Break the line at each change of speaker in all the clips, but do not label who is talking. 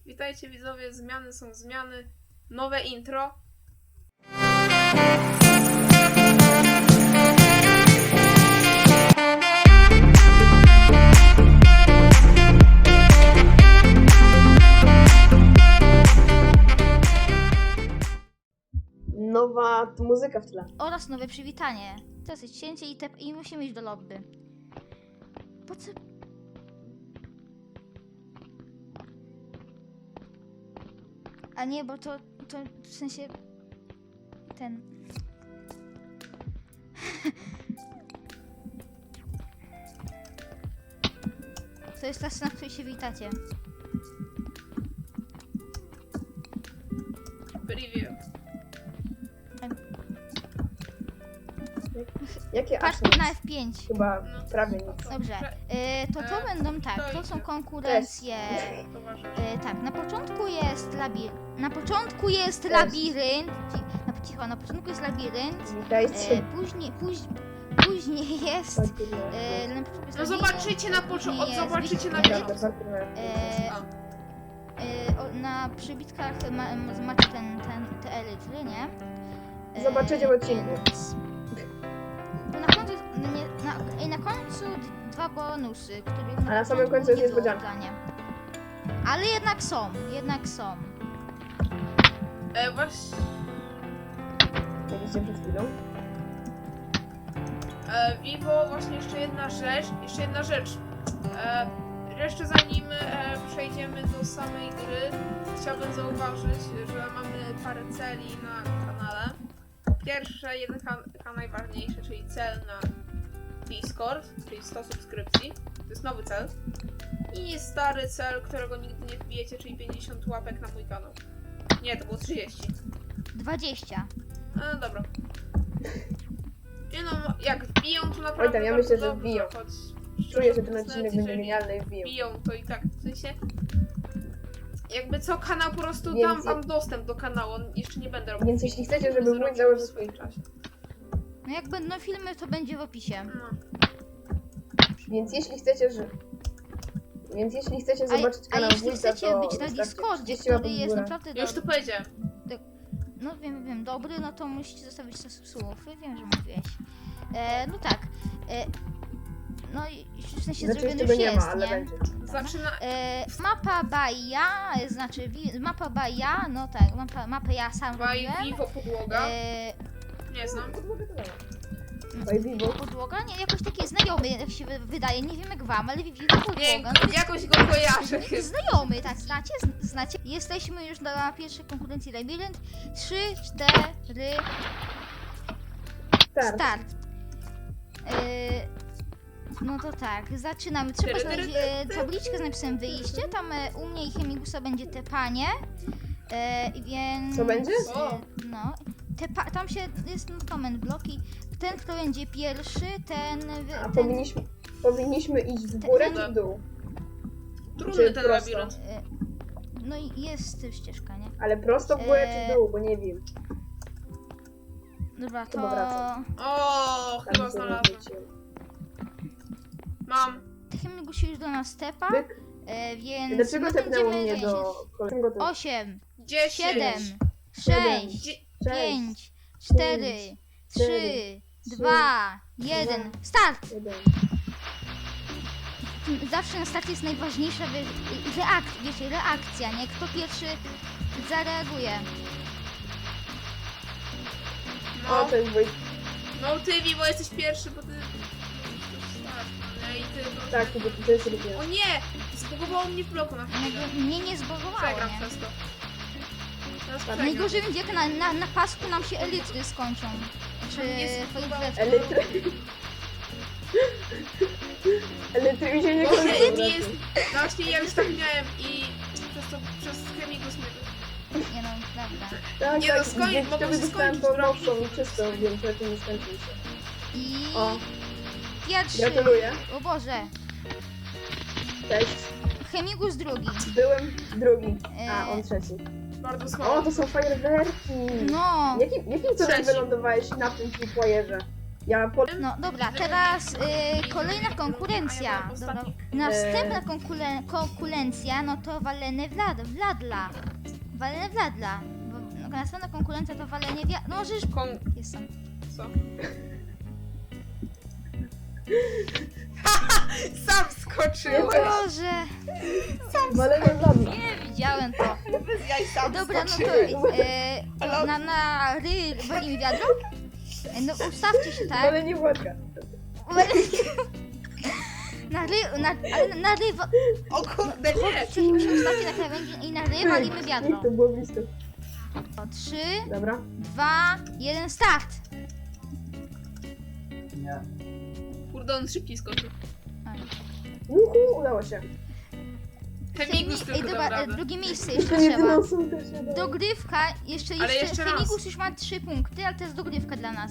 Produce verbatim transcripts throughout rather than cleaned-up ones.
Witajcie widzowie, zmiany są zmiany. Nowe intro.
Nowa muzyka w tle.
Oraz nowe przywitanie. To jest cięcie i, te, i musimy iść do lobby. Po co? A nie, bo to, to w sensie... Ten... To jest ta scena, w której się witacie.
Preview.
Jakie
Patrz
aż
na F pięć.
Chyba
No.
prawie nic.
Dobrze.
Prze-
Y, to to
E,
będą tak, to
stoicie.
są konkurencje.
Towarzysz.
E, tak, na początku jest labirynt. Na początku jest
Cześć.
labirynt. Ci- Na, cicho, na początku jest labirynt. E,
Witajcie.
później, póź, później jest. E, na początku jest
No
labirynt,
zobaczycie na
później
początku,
jest
zobaczycie na
labirynt.
początku.
E,
A.
e, o, na przybitkach ma, ma, macie ten, ten, te elitry, nie? E,
Zobaczycie w odcinku.
więc- To na końcu, jest- nie, na, i na końcu d- dwa bonusy, których
A na samym końcu jest
nie było
niespodzianka.
oddania. Ale jednak są, jednak są.
E, właśnie.
Widzicie przed chwilą.
E, Vivo, właśnie jeszcze jedna rzecz. Jeszcze jedna rzecz. E, jeszcze zanim e, przejdziemy do samej gry, chciałbym zauważyć, że mamy parę celi na kanale. Po pierwsze, jeden kan- najważniejszy, czyli cel na Discord, czyli sto subskrypcji. To jest nowy cel. I stary cel, którego nigdy nie wbijecie, czyli pięćdziesiąt łapek na mój kanał. Nie, to było trzydzieści.
dwadzieścia.
No dobra. Nie no, jak wbiją, to naprawdę
Oj tam, ja
bardzo
myślę, że
dobrze,
wbiją.
choć
Czuję, że ten
szczerze
odcinek
mówiąc,
będzie
jeżeli
genialny i wbiją.
wbiją, to i tak, w sensie jakby co kanał po prostu
Więc
dam
je-
wam dostęp do kanału, jeszcze nie będę robił.
Więc jeśli chcecie, żeby
Zrobię
mój
w
założył
swoim czasie.
No jak będą filmy, to będzie w opisie.
No.
Więc jeśli chcecie, że... Więc jeśli chcecie
A,
zobaczyć
a
kanał
jeśli
wujka,
chcecie
to
być na
wystarczy
Discordzie,
trzydzieści
który
łapek w
jest
górę.
naprawdę
Ja już to
dobry,
powiedziałem.
no wiem, wiem, dobry, no to musicie zostawić słów. Wiem, że mówiłeś. E, no tak. E, no i w sensie
Znaczy
zrobiony
jeszcze
już
go nie
jest,
ma, ale
nie?
będzie.
Zaczyna...
E, mapa Baja, znaczy wi- mapa Baja, no tak, mapa, mapę ja sam
By
robiłem.
Vivo podłoga.
E,
Nie znam.
Oj, Vivo.
podłoga? Nie, jakoś taki znajomy, jak się wy- wydaje, nie wiem jak wam, ale Vivo podłoga.
Nie,
No, to jest
jakoś go kojarzę chyba.
znajomy, tak, znacie? Zn- Znacie? Jesteśmy już na pierwszej konkurencji Labirynt. Trzy, cztery,
Start.
start. Yy, no to tak, zaczynamy. Trzeba
Tyry,
znaleźć
tyry,
e, tabliczkę z napisem wyjście. Tam e, u mnie i Chemigusa będzie tepanie. E, więc...
Co będzie?
O.
No. Tepa, tam się jest no, comment bloki. Ten, kto będzie pierwszy, ten... wy-
A
ten
powinniśmy, powinniśmy iść w górę
Ten-
czy w dół?
Trudny
Czy
ten
prosto?
labirynt.
e, no i jest ścieżka, nie?
Ale prosto w górę
Eee,
czy w dół, bo nie wiem.
Dobra, to...
Chyba wracam.
O,
Tam
chyba
się
znalazłem.
wróciłem.
Mam.
Chemigus się już do nas tepa,
Byk.
e, więc...
Dlaczego
no,
tepnęło
będziemy
mnie do...
zajęci-
Dlaczego to...
osiem,
Dziesięć.
siedem,
Siedem.
sześć,
Dzie-
pięć, cztery,
pięć,
trzy,
cztery,
dwa, jeden,
dwa.
start!
Jeden.
Zawsze na starcie jest najważniejsza wy- reak- wiecie, reakcja, nie? Kto pierwszy zareaguje.
No,
O, to jest Wojt.
no ty Vivo jesteś pierwszy, bo ty... No i ty... No.
Tak, to, to jest rybię.
O nie! Zbugowało mnie w bloku na chwilę.
Jakby mnie nie zbogowało,
Przegram
nie?
przez to. Teraz
Tak.
przegram.
Najgorzej będzie, jak na, na, na pasku nam się elitry skończą. Czy
Nie
fajerwerki.
Elitry. Elitry mi się nie
Bo
kończą.
Chemi jest... No właśnie ja już tak miałem i przez to, przez Chemigus mnie...
Nie no, prawda.
Tak,
Nie no,
tak,
skoń-
więc
mogą
to
się
dostałem
skończyć
to
drogi.
nowszą i czystą, więc lepiej nie skończył się.
I
O,
pierwszy.
gratuluję.
O Boże.
Cześć.
Chemigus drugi.
Byłem drugi, a
E,
on trzeci.
Bardzo słabo.
O, to są fajerwerki.
No.
Jakim, jakim cudem
Trzeci.
wylądowałeś na tym tripwire'ze? Ja po...
No dobra, teraz y, kolejna konkurencja. Dobra, następna konkule, konkurencja, no to walenie Vlad, Wladla. Walenie Wladla. Bo, no, następna konkurencja to walenie wia... No, żeż...
Kon...
Jest sam.
Co? Sam skoczyłeś!
Boże,
Walenie Wladla.
nie widziałem to.
Bez jaj sam
Dobra, no to
skoczyłeś.
e, na, na ry walimy wiadro. E, No ustawcie się, tak?
Walenie Władka.
Na ry, na, ale na ry, wa-
O kurde, nie!
się ustawcie na krawędzi i na ry walimy wiadro.
To było blisko.
O, trzy,
Dobra.
dwa, jeden, start!
Nie.
Kurde, on szybciej skoczył.
Uhu, udało się.
Chemigus
Ej,
tylko
dobra,
dał
e,
radę.
drugie miejsce
Jeszcze
jeszcze trzeba.
jedyną są też nie dało.
Dogrywka, jeszcze,
Ale
jeszcze,
jeszcze raz.
Chemigus już ma trzy punkty, ale to jest dogrywka dla nas.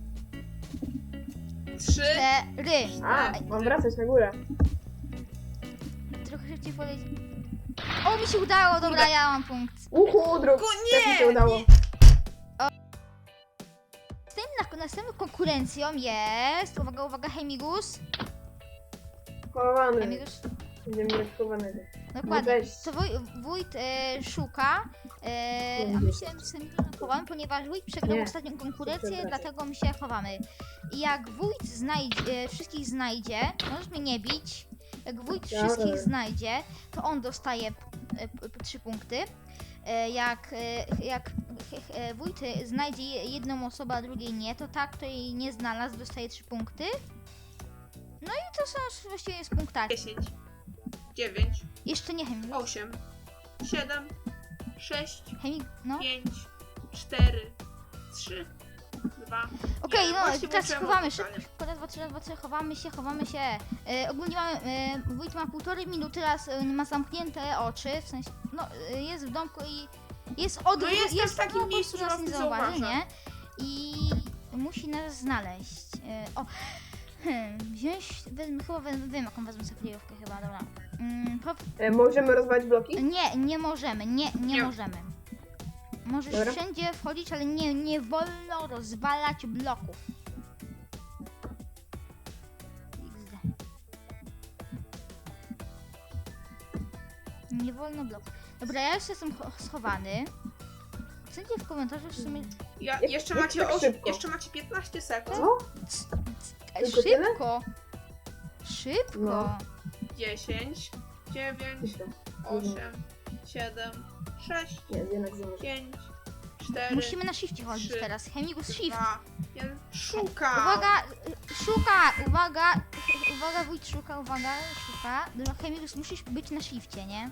Trzy.
Cztery.
A, mam wracać na górę.
Trochę szybciej poleci. O, mi się udało, dobra,
Kurde.
ja mam punkt.
Uhu, druk.
Ku-
Też mi
nie,
się udało.
Następna, następną konkurencją jest, uwaga, uwaga, Chemigus.
Chowany.
Chemigus,
Będziemy mieć chowanego.
dokładnie.
weź.
To wuj, wójt e, szuka, e, a my się sami chowamy, ponieważ wójt przegrał
Nie.
ostatnią konkurencję,
Przepraszam.
dlatego my się chowamy. I jak wójt znajdzie, e, wszystkich znajdzie, możesz mnie nie bić, jak wójt
Dobra.
wszystkich znajdzie, to on dostaje e, p- p- trzy punkty. E, Jak, e, jak e, wójt znajdzie je- jedną osobę, a drugiej nie, to tak, kto jej nie znalazł, dostaje trzy punkty. No i to są właściwie jest punktaki.
Dziesięć. Dziewięć.
Jeszcze nie Chemik.
Osiem. Siedem. Sześć.
Chemik, no.
Pięć. Cztery. Trzy. Dwa.
Okej,
Nie,
no
właśnie
teraz
włączyłem
chowamy
odliczanie.
szybko. Szybko, raz, dwa, trzy, raz, dwa, trzy, chowamy się, chowamy się. E, ogólnie mamy, e, wójt ma półtorej minuty, teraz e, ma zamknięte oczy, w sensie, no e, jest w domku i jest od...
No jestem w takim
no, po
miejscu,
prostu
że
nas
was
nie
nie
zauważy,
zauważa.
nie? I musi nas znaleźć. E, o, hmm, wziąć, wezmę, chyba wezmę, wiem jaką wezmę sobie kryjówkę chyba, dobra. Mm, po,
E, możemy rozwalić bloki?
nie, nie możemy, nie, nie,
Nie.
możemy. Możesz
Dobra.
wszędzie wchodzić, ale nie, nie wolno rozwalać bloków. iks de. Nie wolno bloków. Dobra, ja już jestem cho- schowany. Chcecie w komentarzu w sumie...
Ja,
Jak-
jeszcze,
jak
macie
tak
oś,
szybko?
jeszcze macie piętnaście sekund.
Co?
E,
Tylko tyle?
Szybko! Szybko!
No.
Dziesięć. Dziewięć.
Myślę.
Osiem. Siedem. Sześć.
Nie, jednak nie może.
Pięć. Cztery.
Musimy na shifcie chodzić
trzy,
teraz. Chemigus shift.
Dwa. Jeden. Szuka.
Uwaga, y, szuka, uwaga, uwaga, wójt szuka, uwaga, szuka. Dobra, Chemigus, musisz być na shifcie, nie?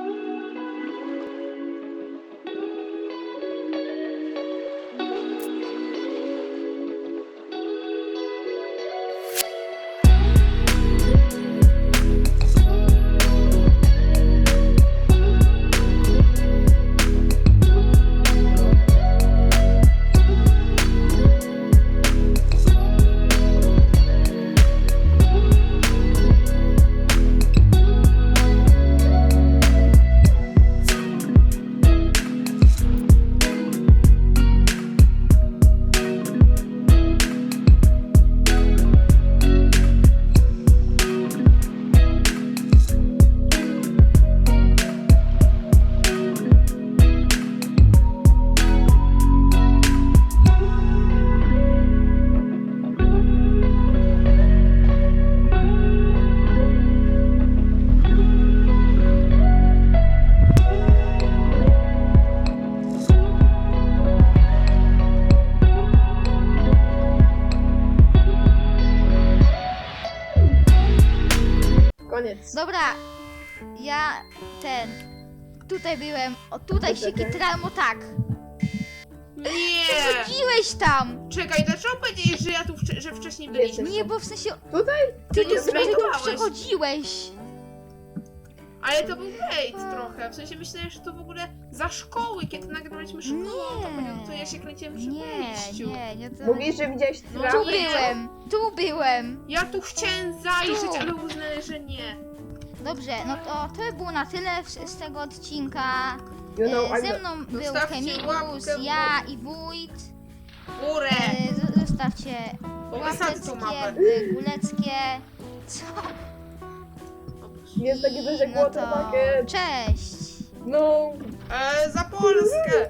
Koniec.
Dobra, ja ten, tutaj byłem, o tutaj się
Czekaj.
kitrałem o tak.
Nie.
Przechodziłeś tam!
Czekaj, dlaczego powiedziałeś, że ja tu wcze- że wcześniej byliśmy?
Nie, bo w sensie,
Tutaj?
ty
nie
tu, ty tu
zrajdowałeś.
przechodziłeś.
Ale to był bait trochę. W sensie myślałem, że to w ogóle za szkoły, kiedy nagrywaliśmy szkołę. To,
Nie.
to ja się kręciłem przy
Nie,
wejściu.
nie, nie, to...
Mówisz, że widziałeś
No,
Tu
trawę?
nie.
byłem, tu byłem.
Ja tu chciałem zajrzeć,
Tu.
ale uznałem, że nie.
Dobrze, no to to by było na tyle w- z tego odcinka.
You know,
E,
I'm
Ze mną był
Zostawcie
Chemigus,
łapkę w
ja i wójt.
Górę.
E, z- Zostaw zostawcie
Bo wysadzę tą
łapeczki,
mapę.
guleckie. Co?
Jest takie coś jak
No
water
to
bucket.
cześć!
No,
E, za Polskę!